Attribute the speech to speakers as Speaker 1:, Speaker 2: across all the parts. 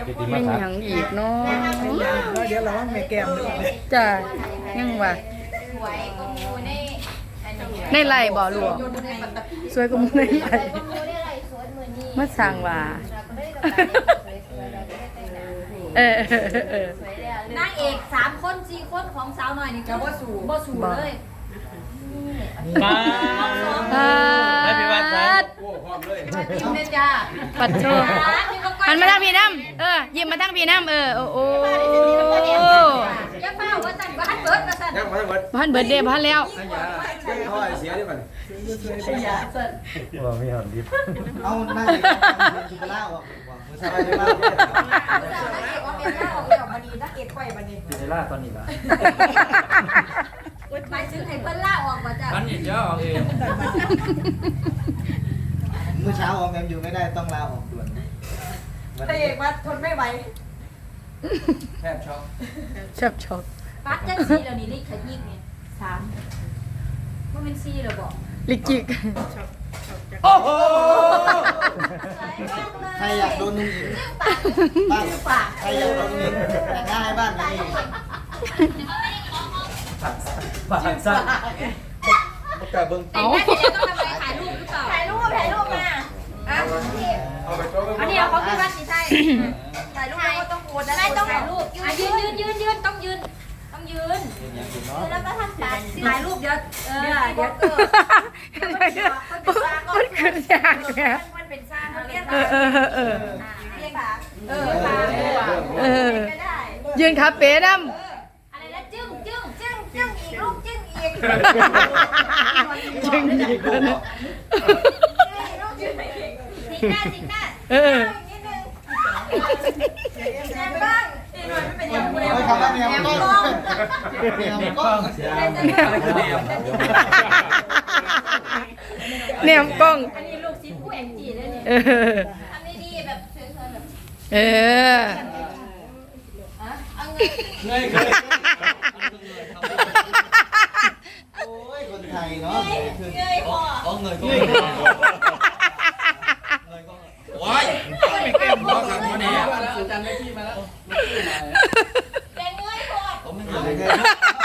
Speaker 1: เป็นหยังอีกเนาะ
Speaker 2: เดี๋ยวเราว่าแม่แก้มดู
Speaker 1: จ้ะยังว่าในไร่บ่หลวงสวยกว่าหมู่ในไร่มาสร้างว่าเออน
Speaker 3: างเอก3 คน 4 คนของสาวหน่อยนี่ก็บ่สู่เลย
Speaker 4: มา
Speaker 1: ปัด
Speaker 3: ยิ้มเลยจ้า
Speaker 1: ปัดโชว์หันมาทางพี่น้ำยิ้มมาทางพี่น้ำโอ้
Speaker 3: อย่าเฝ้าว่าสั่นว่าหันเบิดว่าสั่น
Speaker 5: ยังไม่หมด
Speaker 1: พันเบิร์ดเดย์พันแล้ว
Speaker 5: ให้ยาเขาเสียดิมัน
Speaker 4: ว่าไม่หอมดิบ
Speaker 2: เอาหน้าจุกล่าออกมือสบายมาก
Speaker 3: ว่าเป็นหน้าออกแล้วบัดนี้นักเอกไข่บัดนี้
Speaker 4: อยู่ในล่าตอนนี้ละ
Speaker 3: หมายถึงให้เพิ่นล่าออกว่าจ้ะ
Speaker 4: ตอนนี้เดี๋ยวออกเอง
Speaker 2: เมื่อเช้าออกแอมอยู่ไม่ได้ต้องลาออกด่วน
Speaker 3: พระเอกมาทนไม่ไหว
Speaker 5: แทบช็อก
Speaker 1: ชอบ
Speaker 3: ปัดจังซี่แล้วนี่ลิขยิกนี่3บ่แม่น4แล้วบ่
Speaker 1: ลิกิก
Speaker 5: โอ้โห
Speaker 2: ใครอยากโดนนุ่งอิงบ้านใครอยากโดนนุ่งอิงแต่งหน้าให้บ้านนี้
Speaker 4: ผ่านสั้น
Speaker 5: ประกาศเบิ้ง
Speaker 3: แต่งหน้าเสร็จแล้วต้องทำอะไรถ่ายรูปหรือเปล่าถ่ายรูปมาอ่ะ
Speaker 5: เอาไปโต๊ะ
Speaker 3: อันนี้เอาเขาคือว่าสิใช่ถ่ายรูปก็ต้องโพสได้ต้องถ่ายรูปยืนต้องยืนแล้วก็ทำการถ่ายรูปเดี๋ยว
Speaker 1: มันขึ้นยากแก
Speaker 3: มันเป็นสร้างเรียก
Speaker 1: เออ
Speaker 3: เรียกค่ะ
Speaker 1: ก็ได้ยืนขาเป๋น้
Speaker 3: อะไรนะจึ้งอีกรูปจึ้งอีก
Speaker 1: ำจึงอีกแล้วนะ
Speaker 3: สิงหน้านิดนึงแนมบ้างนี่หน่อยไม่เป็นอย่างไร
Speaker 2: คำว่าแนวกล้องแนวกล้อง
Speaker 4: อะไรคือแนว
Speaker 1: แนมกล้อง
Speaker 3: อันนี้ลูกศิษย์ผู้แองจีเลยเนี่ยทำดีๆแบบเฉยๆแบบ เอาเงิน
Speaker 5: เงย
Speaker 2: โอ้ยคนไทยเนาะ
Speaker 3: เงยคอ
Speaker 5: เอาเงยก็ว้ายมาขังมาเนี่ยอาจารย์ไม่ที่มาแล้ว
Speaker 3: แต่เงยคอ
Speaker 5: ผมไม่
Speaker 2: เ
Speaker 5: เงย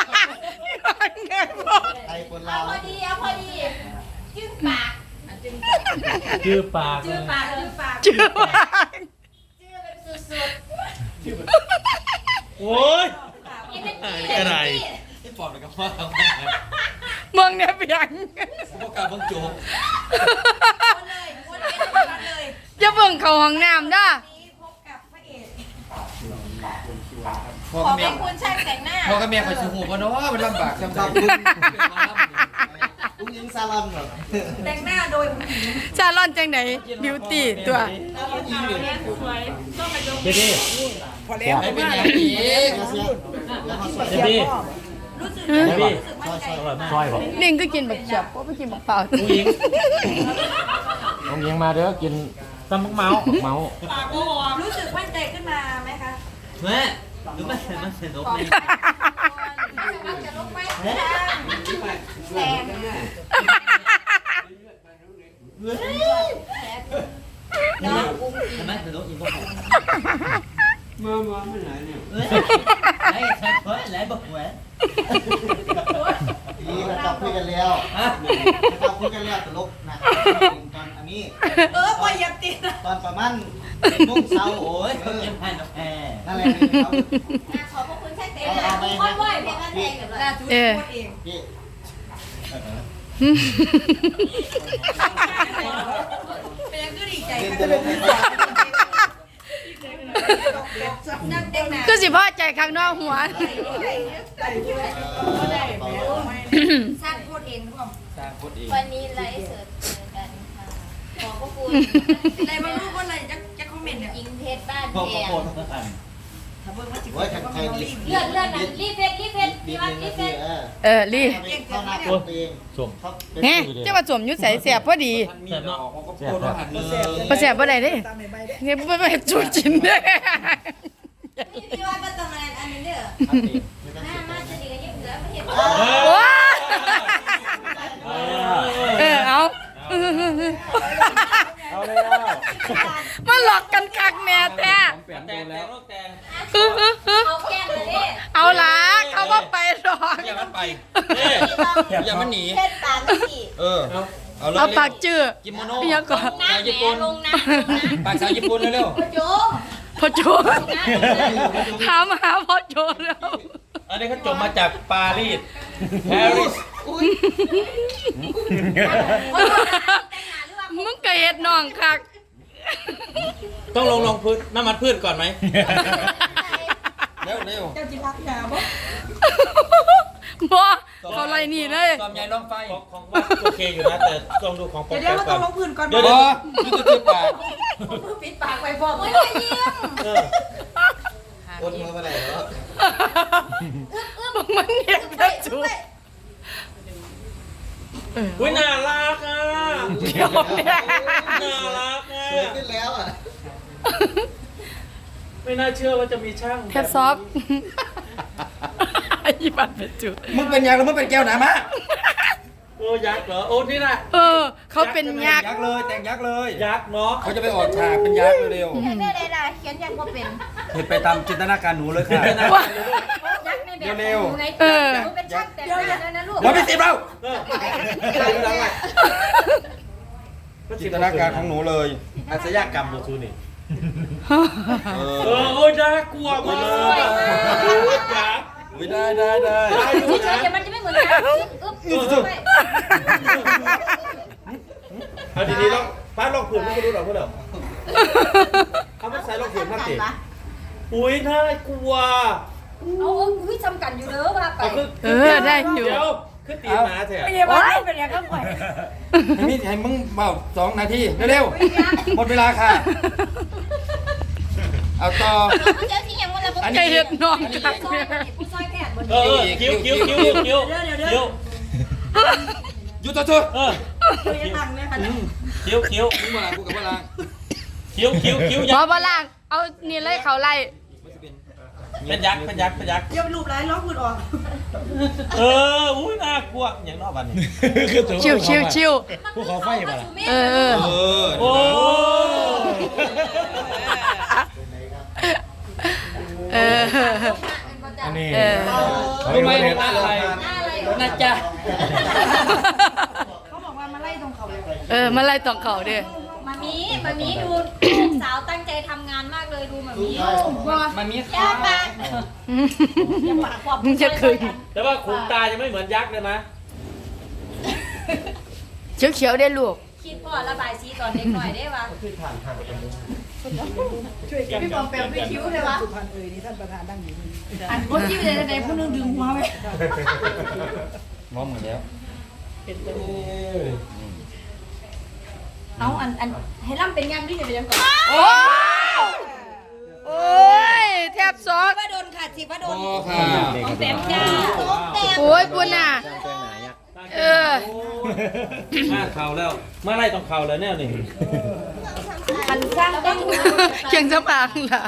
Speaker 2: ไทยคน
Speaker 3: เอา
Speaker 2: ลาว
Speaker 3: พอดีจึ้งปาก
Speaker 4: ชื่อปาก
Speaker 3: จื้อปาก
Speaker 1: ชื่อว่า
Speaker 3: จื้อแบบสุด
Speaker 4: โอ้ย
Speaker 3: ๆนี่เป็น
Speaker 4: กระไร
Speaker 5: ที่ปอบเลยกับว่า
Speaker 1: เมืองเนี่ยเปียง
Speaker 5: ประกาศเบิ้งโจ๊ก
Speaker 3: วนเลย
Speaker 1: จะเบิ่งเขาห้องน้ำด้า
Speaker 3: นี้พบกับพระเอก
Speaker 5: พ่อ
Speaker 3: ขอ
Speaker 5: กับ
Speaker 3: เป็
Speaker 5: แม่
Speaker 3: นคุณช่างแต่งหน้า
Speaker 5: พ่อกับแม่คอยชูหูว่าเนาะมันลำบากจำใจ
Speaker 2: ลุงยิงซาลอนเหรอ
Speaker 3: แต่งหน้าโดยผู้หญิง
Speaker 1: ชาลอนจังไหนบิวตี้ตัว
Speaker 4: เจ๊ดิ
Speaker 5: ไม่เป็นอย่างนี้
Speaker 4: เจ๊ดิ
Speaker 3: รู้สึก
Speaker 4: เจ๊ดิ
Speaker 3: มั่นใจ
Speaker 4: ซอยบอก
Speaker 1: ลิงก็กินบักเขียบเพราะไม่กินบักเปล่า
Speaker 4: น้องยิงน้องยิงมาเด้อกินตำบักเมาเมา
Speaker 3: รู้สึกมั่นใจขึ้นมาไหมคะ
Speaker 5: แม่หรือไม่มันเสร็จลบเลย
Speaker 3: จะลงไหมแสง
Speaker 5: ทำไมเสร็จลบอีกบ้างมาไม่ไหนเนี่ยไหนใช่เพื่อนไหนบอกแหวน
Speaker 2: ดีเราคุยกันแล้วเราคุยกันแล้วตลกนะตอนอันนี้
Speaker 3: ปล่อยยับติด
Speaker 2: ตอนประมาณโมงเช้า
Speaker 5: โอ้ยเขาเก็บให้นะแพร
Speaker 2: นั่นแหละเขา
Speaker 3: ขอบพระคุณช่างแต่งหน้าค่อยไหวเพียงนั้นเองกับเรา
Speaker 1: เออ
Speaker 2: พี่
Speaker 3: เป็นยังก็ดีใจ
Speaker 2: เรียน
Speaker 3: ค่ะ
Speaker 2: ตลกให้ฟัง
Speaker 3: นั่งแต่งหน้า
Speaker 1: ก็สิพ่อใจข้างนอกหัว
Speaker 3: สร้างพูดเองครับ
Speaker 5: สร้างคนเอง
Speaker 3: วันนี้ไลฟ์สดเจอกันค่ะขอบพระคุณอะไรบางรูปว่าอะไรจะคอมเมนต์เนี่ยยิงเพชรบ้าน
Speaker 5: พ่อ
Speaker 3: แพ
Speaker 5: พ่อง
Speaker 2: โอ้ยใครดี
Speaker 3: เลื่อนนะรีบเพชร
Speaker 2: ดี
Speaker 3: พี่
Speaker 2: ห
Speaker 3: วั
Speaker 2: นึ่
Speaker 3: น
Speaker 2: ง
Speaker 3: รี
Speaker 2: นา
Speaker 3: บเพ
Speaker 2: ที
Speaker 3: ชร
Speaker 1: ลี่
Speaker 2: เข้าหน้าตัวเอง
Speaker 4: ส่ง
Speaker 2: เขาเป็น
Speaker 1: แฮะเจ้าว่าสวมยุดใส่เสียบพอดี
Speaker 5: ท่านมีดอกเขาก็โคตรหันเลย
Speaker 1: พอเสียบบ่ได้เด้เนี่ยไม่จูจินเด้
Speaker 3: พี่ว่าเป็นตำนานอันนี้เด้อหน้ามาจะดีกันยิ่งเหลือไม่เห็น
Speaker 1: โอ้เอา
Speaker 4: เอาเลย
Speaker 1: มาหลอกกันคักแม่แท้
Speaker 4: แต่แล้ว
Speaker 3: เอาแก้มเลยดิ
Speaker 1: เอาละเขาว่าไปหรอก
Speaker 2: อย่ามันไป
Speaker 4: เอ๊ะ
Speaker 2: อย่ามันหนี
Speaker 3: เช็ดปากสิ
Speaker 2: เออเอาเลย
Speaker 1: เอาปากจื้อ
Speaker 2: กิโมโน
Speaker 1: ยังก่อน
Speaker 3: น้ำแหนลงน้ำ
Speaker 2: ปากสาวญี่ปุ่นเร็ว
Speaker 3: โจ
Speaker 1: พ่อโจถามหาพ่อโจแล้ว
Speaker 4: อันนี้เขาจบมาจากปารีสปารีส
Speaker 1: มึงก็เฮ็ดน้องคัก
Speaker 4: ต้องลงพื้นน้ำมันพืชก่อนไหม
Speaker 2: เร็ว
Speaker 1: บ่เขาไล่นี่เลย
Speaker 2: ตอมใหญ่ล้อมไฟ
Speaker 4: ของว่าโอเคอยู่นะแต่ต้องดูของปก
Speaker 6: เดี๋ยว
Speaker 4: ติ
Speaker 6: เรา
Speaker 4: ก่
Speaker 6: ต้
Speaker 4: อ
Speaker 6: อน งลงพื้นก่อน
Speaker 4: เดี๋ยว
Speaker 2: บอนี่ก็คือปาก
Speaker 6: ปิดปากไว้พอ
Speaker 3: โอ้ยยิ้ม
Speaker 4: เออ
Speaker 2: อดมือมาไหนแล้ว
Speaker 1: มันเฮ็ดแล้วจู
Speaker 4: อุ้ยน่ารักอ่ะ
Speaker 1: เดี๋ยวเนี่ย
Speaker 4: น่ารักอ่ะ
Speaker 2: สวยขึ้นแล้วอ่ะ
Speaker 4: ไม่น่าเชื่อว่าจะมีช่าง
Speaker 1: แคทซอฟอีบันเป็นจุ
Speaker 2: มึงเป็นยังหรือมึงเป็นแก้วหนามะ
Speaker 4: โอ้ยักษ์เหรอโอ้นี่นะ
Speaker 1: เขาเป็นยักษ์
Speaker 2: ยักษ์เลยแต่งยักษ์เลย
Speaker 4: ยักษ์เนาะ
Speaker 2: เขาจะไปออกฉากเป็นยักษ์เร็ว
Speaker 3: อยากได้อะไรเขียนอยากว่าเป็น
Speaker 2: ๆเห็นไปตามจินตนาการหนูเลยค่ะ
Speaker 3: ยักษ์ในแบบ
Speaker 2: เร็ว
Speaker 3: ไงหนูเป็นช่างแต่งหน้าแล้วนะลูก
Speaker 2: เราไม่ติดเรา
Speaker 4: เออ
Speaker 2: จินตนาการของหนูเลย
Speaker 4: อาชญากรรมดูทูนี่
Speaker 2: เอ
Speaker 4: เอ
Speaker 2: อ
Speaker 4: อโอ้ยน่ากลัวมากยักษ์
Speaker 2: อุ๊ยได้ได้
Speaker 4: ได้อยู่
Speaker 3: เฉ
Speaker 4: นะ
Speaker 3: ยๆเดี๋ยวมันจะไม่เหมือนกันอึ๊บไป
Speaker 4: เอาดีๆลองป้าลองผืนไม่รู้หรอกพวกเราเขาไม่ใส่ลองผืนมากสิอุ้ยน่ากลัว
Speaker 3: เอาอุ้ยจำกันอยู่เด้อว่าไป
Speaker 1: ได้อยู่
Speaker 4: เดี๋ยวขึ้นตีหมาเถอะ
Speaker 6: ไม่ใช่ว่าเป็นอย่างก็ปล่อย
Speaker 2: ให้มึงเบา2 นาทีเร็วๆหมดเวลาค่ะ เอาต่อ
Speaker 3: เขาเจอที่ยังวันละ
Speaker 1: ไก่เฮ็ดน้องคัก
Speaker 3: ผู้ซอยแพทย์บน
Speaker 4: เออคิ้วคิ้วคิ้วคิ้วคิ้ว
Speaker 2: หยุดตัวชุด
Speaker 4: เออ
Speaker 6: ยังตังเลยค่ะ
Speaker 4: คิ้วคิ้ว
Speaker 2: มึงมาลากูกับมาลา
Speaker 4: คิ้วคิ้วคิ้ว
Speaker 1: หมอบล่างเอานี่เลยเขาไล่
Speaker 4: เป็นยักษ์เป็นยักษ์เป็นยักษ์
Speaker 6: เดี๋ยวรูปร้ายล้อพื้นออก
Speaker 4: เอออุ้ยน่ากลัวอย่างนอกบ้านนี่
Speaker 1: ชิวชิวชิว
Speaker 4: ภูเขาไฟมา
Speaker 1: เออ
Speaker 4: โอ้
Speaker 1: เออ
Speaker 4: อันนี้
Speaker 1: เออ
Speaker 4: รู้ไหมอะไรนะจ๊ะ
Speaker 6: เขาบอกว่ามาไล่ตรงเขาเลย
Speaker 1: มาไล่ตองเขาเด้อ
Speaker 3: มามีดูลูกสาวตั้งใจทำงานมากเลยดูมามี
Speaker 2: มันมี
Speaker 3: ย่าปากอย่าปากขอบ
Speaker 1: มึงจะคืน
Speaker 4: แต่ว่าขุนตายังไม่เหมือนยักษ์เลยนะ
Speaker 1: เขียวเขียวได้ลูก
Speaker 3: คิดพ่อระบายสีตอนเด็กหน่อยได้ปะ
Speaker 6: พี่บอมแปลไม่คิ้วเลยวะสุพรรณนี่ท่านประธานดังอยู่อันคนที่ไปในผู้นึงดึงหัวไป
Speaker 2: มองหมดแล้ว
Speaker 3: เอาอันให้ล่ำเป็นงานที่จะไปยังก่อน
Speaker 1: โอ้ยแทบซอก
Speaker 6: ว่าโดนค่ะสิว่าโด
Speaker 2: โอ้
Speaker 6: น
Speaker 2: ค่ะ
Speaker 3: ต้องเต็มจ้าต้องเต็ม
Speaker 1: โอ้ยปุ่นน่ะเออ
Speaker 4: มาเข่าแล้วมาไล่ตรงเข่าแล้วแน่นี่
Speaker 3: อันสร้างต้อง
Speaker 1: เคียงสำอางล่ะ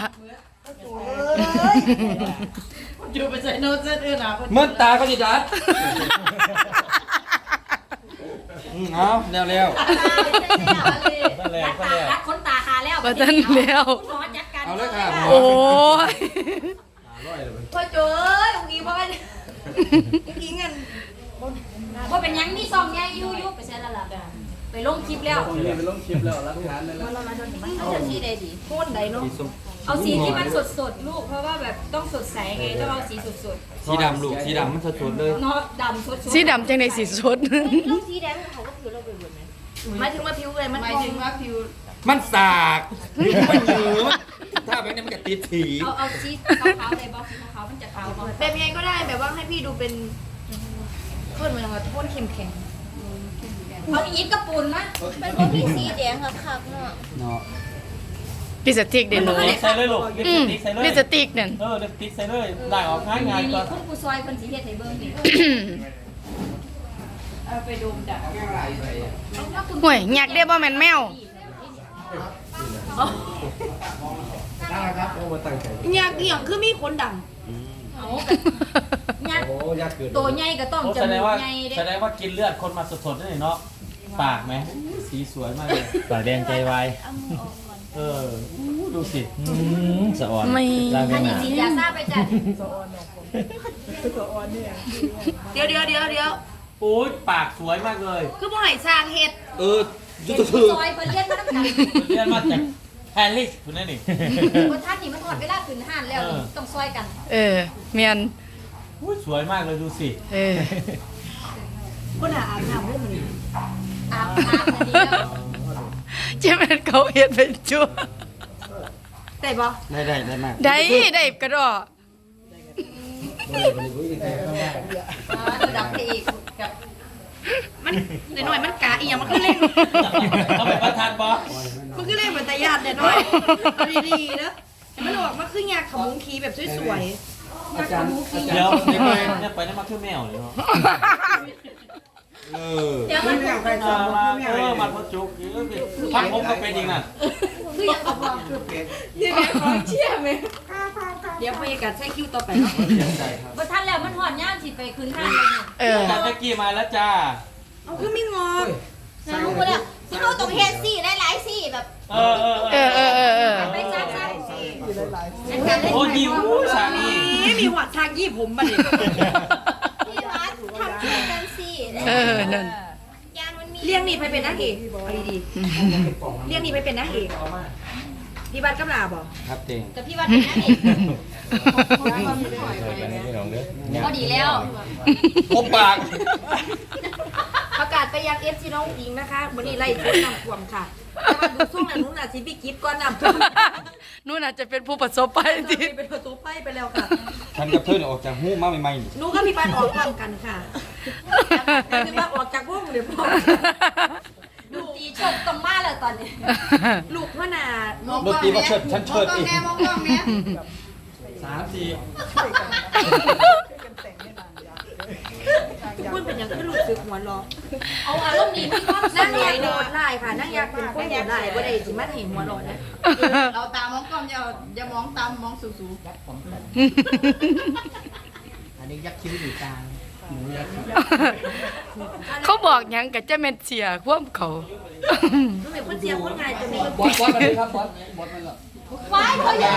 Speaker 6: อยู่ไปใส่โน้ตเส้นอื่นอ่ะ
Speaker 2: เมื่อตาก็จะดัดเอาเร็ว
Speaker 4: นั่นแหละก็แล้ว
Speaker 3: รักคนตาคาแล้ว
Speaker 1: มาตั้งแล้ว
Speaker 3: คุณหมอจัดการ
Speaker 2: ๆเอาเลยค่ะ
Speaker 1: โอ้ย
Speaker 3: พ่อโจ้ยองค์นี้ว่าอีเงินว่าเป็นยังมีซองใหญ่ยู่ไปใช้แล้วล่ะไปลงคลิปแล้วไปลงคลิปแล้วรักฐานเลยเอาสีใดดีโทนใดเนาะเอาสีที่มันสดลูกเพราะว่าแบบต้องสดใสไงต้องเอาสีสด
Speaker 2: สีดำลูกสีดำมันสดๆเลย
Speaker 3: ๆเนาะดำสดๆ
Speaker 1: สีดำจังในสีสด
Speaker 3: ลูกสีแดงเขาก็ผิวเราไปหมดไหมหมายถึงว่าผิวเลยมัน
Speaker 6: หมายถึงว่าผิว
Speaker 2: มันสากมันยืดถ้าแบบนี้มันก็ติดถี
Speaker 3: เอาสีขาวๆเลยบอกสีขาวๆมันจะขาวบอก
Speaker 6: แบบยังไงก็ได้แบบว่าให้พี่ดูเป็นขึ้นมาอย่างว่าโทษเข้มแข็ง
Speaker 3: เอาอีกกระปุนนะเป็นพวกพี่สีแดงคักๆเนาะ
Speaker 2: เนาะ
Speaker 1: ลิปสติกเด่นหนู
Speaker 4: ลิปใส่เลยลูกลิป
Speaker 1: อืม
Speaker 4: สติกใส่เลย
Speaker 1: ลิปสติกนั่น
Speaker 4: เออลิปสติกใส่เลยได้ออกง่ายง่ายกว่า
Speaker 3: คุณครูซอยคนสีเฮ็ดให้เบิ่งนี่
Speaker 6: เอาไปดมดัก
Speaker 1: ห่วยอยากได้บ่แม่นแมว
Speaker 6: อยากเกี่ยงคือมีคนดัง
Speaker 3: เอายักตัวใหญ่ก็ต้องจ
Speaker 4: แสด
Speaker 3: มู
Speaker 4: ง
Speaker 3: ก
Speaker 4: ว่า
Speaker 3: ใหญ่เด้
Speaker 4: แสดงว่ากินเลือดคนมาสดๆนี่เนาะปากไหมสีสวยมากเลยปากแดงใจวาย
Speaker 3: เอามือออกก่อน
Speaker 4: เออ
Speaker 5: ดูสิสะอ่อน
Speaker 1: ไม่
Speaker 5: ลา
Speaker 3: อั
Speaker 5: เวน
Speaker 3: นี้
Speaker 5: นา
Speaker 3: สียาซาไปจ้ะเดี๋ยว
Speaker 5: โอ้ยปากสวยมากเลย
Speaker 3: คือบ่ให้สร้างเฮ็ด
Speaker 4: ยุ
Speaker 3: เฮ็
Speaker 4: ติ
Speaker 3: ด
Speaker 4: ธร
Speaker 3: ซอยเพิ่นเรียนมาตั้งแต่
Speaker 5: เรียนมาจากแฮร์รี่คุณนั่นนี่
Speaker 3: บ่ทันนี่มันหอดเวลาขึ้นห้านแล้วต้องซอยกัน
Speaker 1: เมียน
Speaker 5: อุ้ยสวยมากเลยดูสิ
Speaker 6: คนอาบน้ำเรื่องมัน
Speaker 3: อาบน้ำอันนี้แล้ว
Speaker 1: เจะเป็นเขาเฮ็ดเป็นชั่ว
Speaker 3: ได้บ่
Speaker 2: ได้มาก
Speaker 1: ได้กระดอ
Speaker 3: ระดับพระเอกกับมันหน่อยๆมันกะอีหยังมันคือเล่น
Speaker 5: เอาไปประทานบอ
Speaker 3: มันคือเล่นเหมือนตาญาติหน่อยเอาดีๆนะให้มันออกมาคือยาขมุงคีแบบสวยๆยาขมุงคี
Speaker 5: เดี๋ยวเนี่ยไปนั่นมาคือแมวเลยเนาะ
Speaker 3: เดี๋ยวมัน
Speaker 5: มาพอจุกพักผมก็เป็นจริงน่ะ
Speaker 3: คืออยากเอาบอกนี่แม่ขอเชี่ยไหมเดี๋ยวพยากาศใช้คิวต่อไปเนาะบ่ทันแล้วมันหอดย่ามสิไปคืนห้างเลยเนี่ย
Speaker 5: จานตะกี้มาแล้วจ้า
Speaker 3: เอาคือไม่งอนะรู้บ่แล้วสิเอาตรงเฮ็ดซี่ได้หลายซี่แบบ
Speaker 5: เออ
Speaker 3: ไปจ้าๆซี่
Speaker 5: โอ้ยิวสามี
Speaker 3: นี่มีหัวทางยี่ผมมาดิ
Speaker 7: พี่วัดทำช่วยกันสิ
Speaker 1: นั่น
Speaker 7: ยานมันมี
Speaker 3: เลี้ยงนี่ไปเป็นนางเอกเอาดีๆเลี้ยงนี่ไปเป็นนางเอกพี่บัตรกำลาบ่
Speaker 2: ครับเต็ง
Speaker 7: กับพี่วัดเป็นนางเอกก็ดีแล้ว
Speaker 4: พบปาก
Speaker 3: ประกาศไปยัง FC น้องอิงนะคะวันนี้ไล่ทุนนำท่วมค่ะแต่ว่าดูช่วงนั้นนู้นน่ะสิพี่กิฟต์ก่อนนำท่วม
Speaker 1: นู่นอาจจะเป็นผู้ประสบภัยที่
Speaker 3: เป็นประตูไฟไปแล้วค่ะ
Speaker 2: ฉันกับเธอเนี่ยออกจากหู้มาใหม่ๆนี่
Speaker 3: หนูกับพี่บัตรออกพร้อมกันค่ะพี่บัตรออกจากวงเดี๋ยวพร้อม
Speaker 7: ดูตีชกตรงมาเลยตอนนี้
Speaker 3: ลูกพ่อนา
Speaker 2: ดนตรีว่าเชิดฉันเชิดอีก
Speaker 7: มองกล้องเนี่ย
Speaker 5: 3-4
Speaker 3: พูดเป็นอย่างที่ลูกซื้อหัวล้อ
Speaker 7: เอาอารมณ์ดีพี่ความ
Speaker 3: นั่งอยากโดดไล่ค่ะนั่งอยากเป็นคนโดดไล่บ่ได้สิมาเห็นหัวล้อนะ
Speaker 6: เราตามองกล้องอย่ามองตามมองสูง
Speaker 2: อันนี้ยักษ์คิ้วอยู่กลางหมูยักษ์คิ้ว
Speaker 1: เขาบอกหยังกับเจ้าแม่นเสียความเขา
Speaker 3: หนูเป็นคนเสียคนง่ายจะมี
Speaker 2: บอสมาเลยครับบอสมาแล้ว
Speaker 7: ไว้เขาอยาก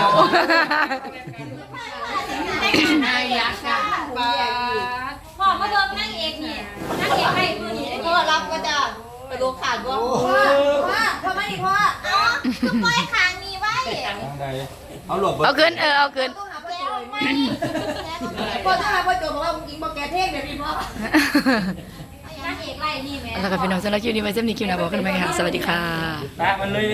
Speaker 6: นายยักษ์ค่ะปลา
Speaker 7: พ่อมาเบิ่งนางเอกนี่นางเอกให้มือนี่
Speaker 6: พ่อรับก็จะกระโดดขาดว่า
Speaker 7: พ่อมาดิพ่อเอาคือปล่อยขางนี้ไว้
Speaker 2: ทางใดเอาหลบ
Speaker 1: เอาขึ้นเอาขึ้น
Speaker 7: แก้วไม่
Speaker 6: พ่อถ้าพ่อโจบอกว่าคุณอิงบอกแกเท่งเดี๋ยวพี่พ่อน
Speaker 7: างเอกไล่นี่แม่
Speaker 1: แล้วก็พี่น้องสำหรับคลิปนี้ไว้เส้นนี้คลิปหน้าบอกกันไหมคะสวัสดีค่ะ
Speaker 5: แปะมันเลย